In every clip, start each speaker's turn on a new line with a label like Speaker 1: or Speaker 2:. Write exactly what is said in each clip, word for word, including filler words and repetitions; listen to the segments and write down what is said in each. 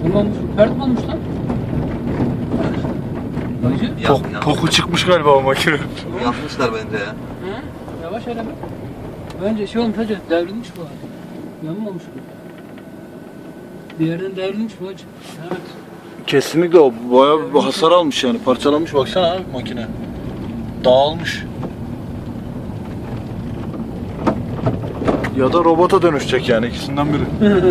Speaker 1: Tamam, pert mi olmuş lan? Bacı?
Speaker 2: Tok, toku çıkmış galiba o makine.
Speaker 3: Yapmışlar bence ya.
Speaker 1: Hı? Yavaş eleme. Bence şey olmuş hacı, devrilmiş bu hacı. Yanmamış bu. Bir yerden devrilmiş bu hacı. Evet.
Speaker 2: Kesinlikle o bayağı bir hasar almış yani. Parçalanmış baksana abi makine. Dağılmış. Ya da robota dönüşecek yani ikisinden biri.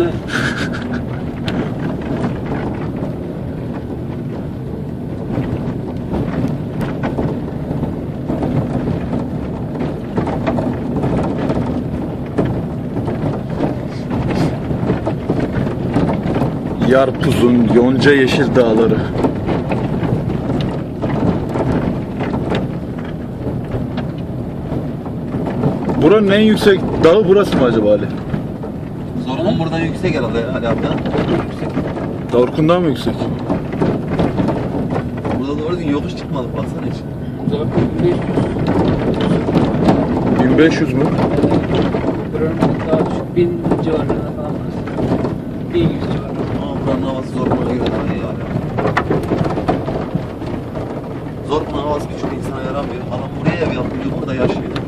Speaker 2: Yarpuz'un yonca yeşil dağları. Buranın en yüksek dağı burası mı acaba Ali?
Speaker 3: Zorunun buradan yüksek herhalde Ali abi.
Speaker 2: Davurkun'dan mı yüksek?
Speaker 3: Burada doğru düzgün yokuş çıkmadık baksana hiç.
Speaker 1: Uzak beş yüz.
Speaker 2: bin beş yüz mü?
Speaker 1: Buranın daha düşük bin civarlarında falan burası. bin yüz civarında.
Speaker 3: Ama buranın havası Zorkun'a göre daha iyi abi. Zorkun'un havası birçok insana yaramıyor. Adam buraya ev yapıyor, burada yaşıyor.